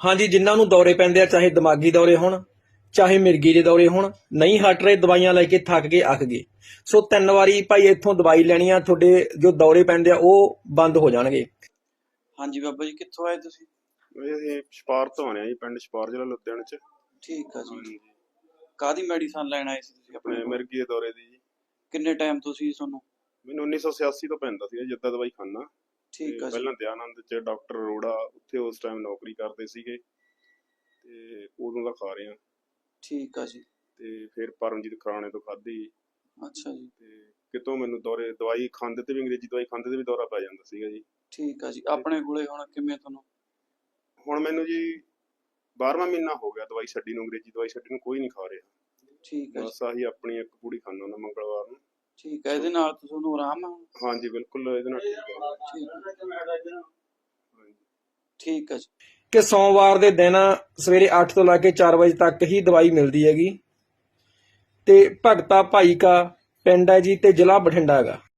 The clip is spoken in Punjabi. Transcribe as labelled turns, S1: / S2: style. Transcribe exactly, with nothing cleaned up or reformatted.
S1: ਹਾਂਜੀ, ਜਿਨ੍ਹਾਂ ਨੂੰ ਦੌਰੇ ਪੈਂਦੇ ਆ, ਚਾਹੇ ਦਿਮਾਗੀ ਦੌਰੇ ਹੋਣ ਚਾਹੇ ਮਿਰਗੀ ਦੇ ਦੌਰੇ ਹੋਣ, ਨਹੀਂ ਹਟ ਰਹੇ, ਦਵਾਈਆਂ ਲੈ ਕੇ ਥੱਕ ਗਏ, ਅੱਕ ਗਏ, ਸੋ ਤਿੰਨ ਵਾਰੀ ਭਾਈ ਇੱਥੋਂ ਦਵਾਈ ਲੈਣੀ ਆ, ਤੁਹਾਡੇ ਜੋ ਦੌਰੇ ਪੈਂਦੇ ਆ ਉਹ ਬੰਦ ਹੋ ਜਾਣਗੇ।
S2: ਹਾਂਜੀ ਬਾਬਾ ਜੀ, ਕਿੱਥੋਂ ਆਏ ਤੁਸੀਂ?
S3: ਇਹ ਛਪਾਰ ਤੋਂ ਆਏ ਆ ਜੀ, ਪਿੰਡ ਛਪਾਰ, ਜ਼ਿਲ੍ਹਾ ਲੁਧਿਆਣਾ ਚ।
S2: ਠੀਕ ਆ ਜੀ।
S3: ਹਾਂਜੀ,
S2: ਕਾਹਦੀ ਮੈਡੀਸਨ ਲੈਣ ਆਏ ਸੀ ਤੁਸੀਂ ਆਪਣੇ
S3: ਆਪਣੇ
S2: ਕੋਲ?
S3: ਮਿਰਗੀ ਦੇ ਦੌਰੇ ਦੀ ਜੀ।
S2: ਕਿੰਨੇ ਟਾਈਮ ਤੋਂ ਸੀ ਤੁਹਾਨੂੰ?
S3: ਮੈਨੂੰ ਉੱਨੀ ਸੌ ਛਿਆਸੀ ਤੋਂ ਪੈਂਦਾ ਸੀ, ਜਿੱਦਾਂ ਦਵਾਈ ਖਾਨਾ।
S2: ਠੀਕ ਆ ਜੀ।
S3: ਪਹਿਲਾਂ ਦਿਆਨੰਦ ਚ ਡਾਕਟਰ ਅਰੋੜਾ ਉੱਥੇ ਉਸ ਟਾਈਮ ਨੌਕਰੀ ਕਰਦੇ ਸੀਗੇ, ਤੇ ਉਦੋਂ ਦਾ ਖਾ ਰਹੇ ਆ।
S2: ਠੀਕ ਆ ਜੀ।
S3: ਤੇ ਫਿਰ ਪਰਮਜੀਤ ਖਰਾਣੇ ਤੋਂ ਖਾਧੀ।
S2: ਅੱਛਾ ਜੀ।
S3: ਤੇ ਕਿਤੋਂ ਮੈਨੂੰ ਦੌਰੇ ਦਵਾਈ ਖਾਂਦੇ ਤੇ ਵੀ, ਅੰਗਰੇਜ਼ੀ ਦਵਾਈ ਖਾਂਦੇ ਤੇ ਵੀ ਦੌਰਾ ਪੈ ਜਾਂਦਾ ਸੀਗਾ ਜੀ।
S2: ਠੀਕ ਆ ਜੀ। ਆਪਣੇ ਕੋਲੇ ਹੁਣ ਕਿਵੇਂ ਤੁਹਾਨੂੰ?
S3: ਹੁਣ ਮੈਨੂੰ ਜੀ ਬਾਰਵਾਂ ਮਹੀਨਾ ਹੋ ਗਿਆ ਦਵਾਈ ਛੱਡੀ ਨੂੰ, ਅੰਗਰੇਜ਼ੀ ਦਵਾਈ ਛੱਡੀ ਨੂੰ, ਕੋਈ ਨਹੀਂ ਖਾ ਰਿਹਾ।
S2: ਠੀਕ ਆ ਜੀ।
S3: ਬਸ ਆਹੀ ਆਪਣੀ ਇੱਕ ਪੂੜੀ ਖਾਂਦਾ ਹੁੰਦਾ ਮੰਗਲਵਾਰ ਨੂੰ।
S2: ਠੀਕ ਆ, ਇਹਦੇ ਨਾਲ ਤਾਂ ਤੁਹਾਨੂੰ ਆਰਾਮ ਆ?
S3: ਹਾਂਜੀ ਬਿਲਕੁਲ, ਇਹਦੇ ਨਾਲ ਠੀਕ ਹੈ।
S2: ਠੀਕ ਆ। ਠੀਕ ਆ ਜੀ।
S1: ਕਿ ਸੋਮਵਾਰ ਦੇ ਦਿਨ ਸਵੇਰੇ ਅੱਠ ਤੋਂ ਲੈ ਕੇ ਚਾਰ ਵਜੇ ਤੱਕ ਹੀ ਦਵਾਈ ਮਿਲਦੀ ਹੈਗੀ, ਤੇ ਭਗਤਾ ਭਾਈ ਕਾ ਪਿੰਡ ਹੈ ਜੀ, ਤੇ ਜ਼ਿਲ੍ਹਾ ਬਠਿੰਡਾ ਹੈਗਾ।